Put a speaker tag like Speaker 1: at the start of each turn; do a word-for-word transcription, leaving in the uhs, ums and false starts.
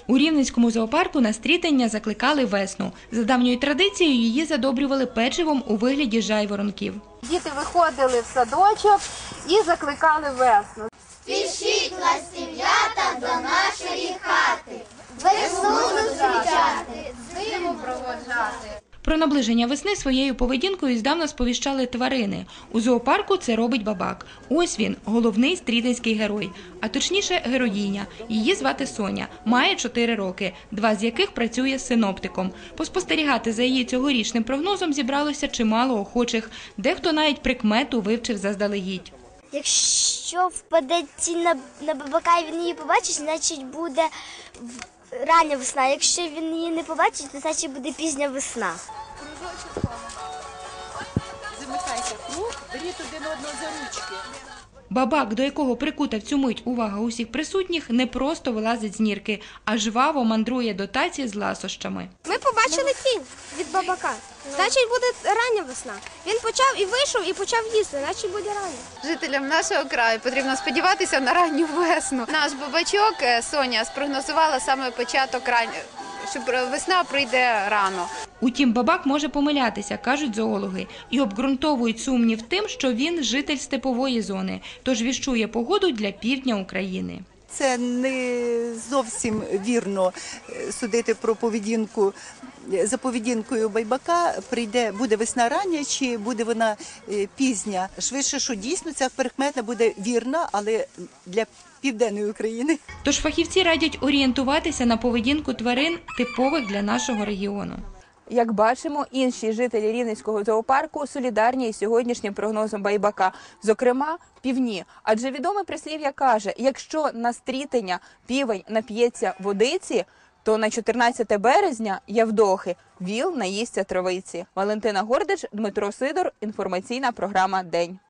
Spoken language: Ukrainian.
Speaker 1: У Рівненському зоопарку на стрітання закликали весну. За давньою традицією її задобрювали печивом у вигляді жайворонків.
Speaker 2: Діти виходили в садочок і закликали весну.
Speaker 3: Спішіть, ластів'ята, до нашої хати, весну зустрічати, зиму проводжати.
Speaker 1: Про наближення весни своєю поведінкою здавна сповіщали тварини. У зоопарку це робить бабак. Ось він, головний стрітинський герой, а точніше героїня. Її звати Соня, має чотири роки, два з яких працює синоптиком. Поспостерігати за її цьогорічним прогнозом зібралося чимало охочих, дехто навіть прикмету вивчив заздалегідь.
Speaker 4: Якщо впаде тінь на, на бабака і він її побачить, значить буде рання весна. Якщо він її не побачить, то значить буде пізня весна.
Speaker 2: Замикайте круг, беріть один одного за ручки.
Speaker 1: Бабак, до якого прикута в цю мить увага усіх присутніх, не просто вилазить з нірки, а жваво мандрує до таці з ласощами.
Speaker 5: Ми побачили тінь від бабака. Значить, буде рання весна. Він почав і вийшов, і почав їсти, значить буде рання.
Speaker 2: Жителям нашого краю потрібно сподіватися на ранню весну. Наш бабачок Соня спрогнозувала саме початок рання, що весна прийде рано.
Speaker 1: Утім, бабак може помилятися, кажуть зоологи, і обґрунтовують сумнів тим, що він житель степової зони, тож віщує погоду для півдня України.
Speaker 6: Це не зовсім вірно судити про поведінку. За поведінкою байбака прийде, буде весна рання чи буде вона пізня. Швидше, що дійсно ця прикмета буде вірна, але для південної України.
Speaker 1: Тож фахівці радять орієнтуватися на поведінку тварин, типових для нашого регіону.
Speaker 7: Як бачимо, інші жителі Рівненського зоопарку солідарні із сьогоднішнім прогнозом байбака, зокрема півні. Адже відоме прислів'я каже, якщо на стрітення півень нап'ється водиці, то на чотирнадцяте березня, Явдохи, віл наїсться травиці. Валентина Гордич, Дмитро Сидор, інформаційна програма «День».